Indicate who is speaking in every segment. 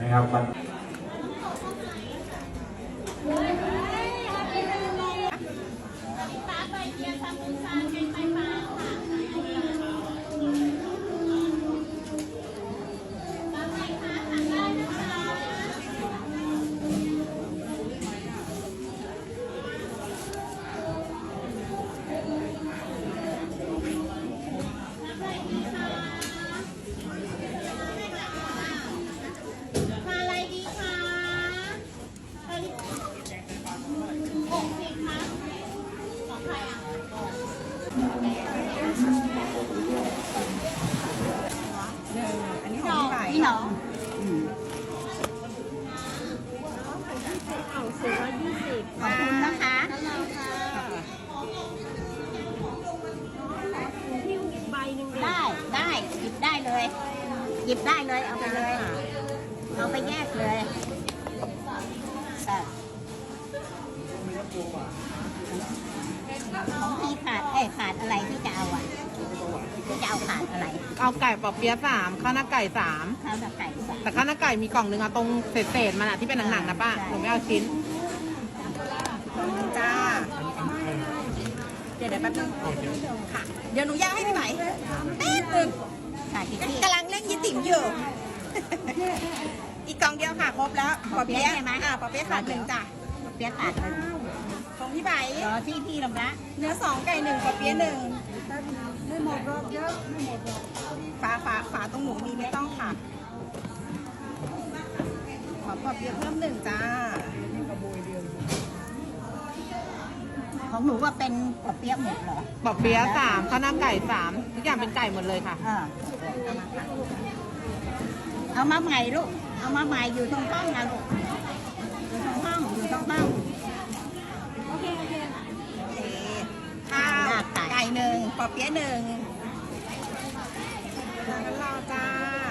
Speaker 1: นะครับ
Speaker 2: อันนี้ของพี่น้องขอบคุณนะคะได้หยิบได้เลยหยิบได้เลยเอาไปเลยเอาไปแยกเลยของพี่ขาดอะไรที่จะเอาอ่ะที่จะเอาขาดอะไร
Speaker 3: เอาไก่ปอเปี๊ยะ3ข้าวหน้าไก่3
Speaker 2: ข้าวหน้าไก่3
Speaker 3: แต่ข้าวหน้าไก่มีกล่องนึงอะตรงเศษมันอะที่เป็นหนังๆนะป้าหนูไม่เอาชิ้น
Speaker 2: จ้าเดี๋ยวแป๊บนึงค่ะเดี๋ยวหนูย่างให้พี่ไหมแป๊บนึงกำลังเล่นยี่ติ๋มอยู่อีกกล่องเดียวค่ะครบแล้วปอเปี๊ยะใช่ไหมปอเปี๊ยะขาด1จ้ะปอเปี๊ยะขาดของพี่ไหมรอที่พี่ลำละเนื้อ2ไก่1ปอเปี๊ยะ1ไม่หมดรอบเยอะไม่หมดรอบฝาตรงหนูมีไม่ต้องค่ะขอปอเปี๊ยะเพิ่ม1จ้าของหนูว่าเป็นปอเปี๊ยะหมดเหรอ
Speaker 3: ปอเปี๊ยะ3ข้าวหน้าไก่3ทุกอย่างเป็นไก่หมดเลยค่ะ
Speaker 2: เอามาใหม่ลูกเอามาใหม่อยู่ตรงห้องนะลูกอยู่ตรงห้องโอเคข้าวไก่1ปอเปี๊ยะ1แล้วเราจ้า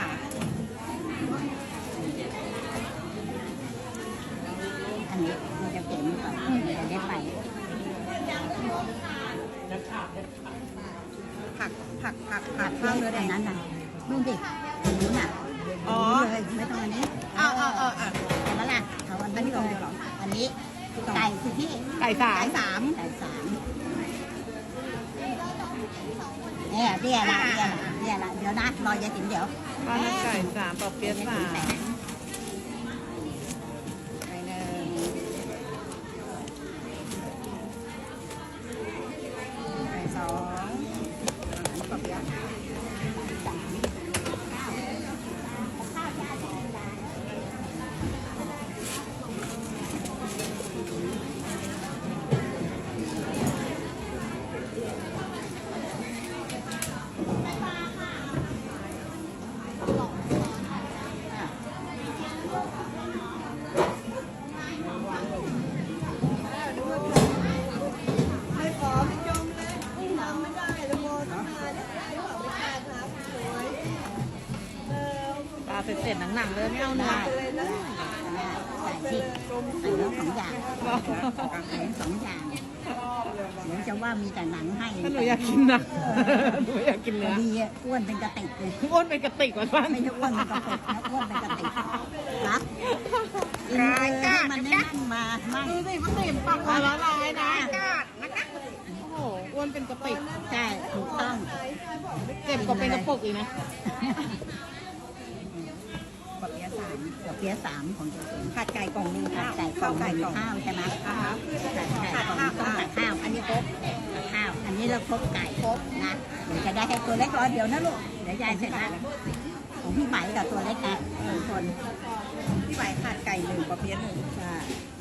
Speaker 2: อันนี้มันจะเก็บก่อนเดี๋ยวได้ไปผักข้าวเนื้อแดงนั้นน่ะดูดิอันนี้น่ะเลยไม่ต้องอันนี้เอาแล้วล่ะเอาอันนี้ก่อนเหรออันนี้ไก่คือพี่
Speaker 3: ไก่3
Speaker 2: เนี่ยเดี๋ยวนะเดี๋ยวนะรอยายติ๋มเดี๋ยว
Speaker 3: ข้าวหน้าไก่3ปอเปี๊ยะ3เสร็จหนังๆเลยไม่เอาเนื้อ
Speaker 2: ใส่ที่ใส่แล้ว2 อย่าง2 อย่างเดี๋ยวจะว่ามีแต่หนังให้
Speaker 3: หนูอยากกินนะหนูอยากกินเนื้อ
Speaker 2: ดีอ้วนเป็นกระติกเลย
Speaker 3: อ้วนเป็นกระติกกว่าบ้าน
Speaker 2: ไม่ใช่อ้วนเป็นกระติกนะอ้วนเป็นกระติกครับรายการมันนั่งมา
Speaker 3: ดูสิมันเต็มปากละลายนะโอ้โหอ้วนเป็นกระติก
Speaker 2: ใช่ถูกต้อง
Speaker 3: เจ็บกว่าเป็นกระปุกอีกนะ
Speaker 2: ปอเปี๊ยะ3ของเจ๊ผัดไก่กล่องนึงผัดไก่กล่องข้าวใช่ไหมผัดไก่กล่องต้องผัดข้าวอันนี้ครบข้าวอันนี้เราครบไก่ครบนะเดี๋ยวจะได้ให้ตัวเล็กรอเดี๋ยวนะลูกเดี๋ยวยายเสร็จแล้วของพี่ไหมกับตัวเล็กนะ1 คนพี่ไหมผัดไก่1ปอเปี๊ยะ1ใช่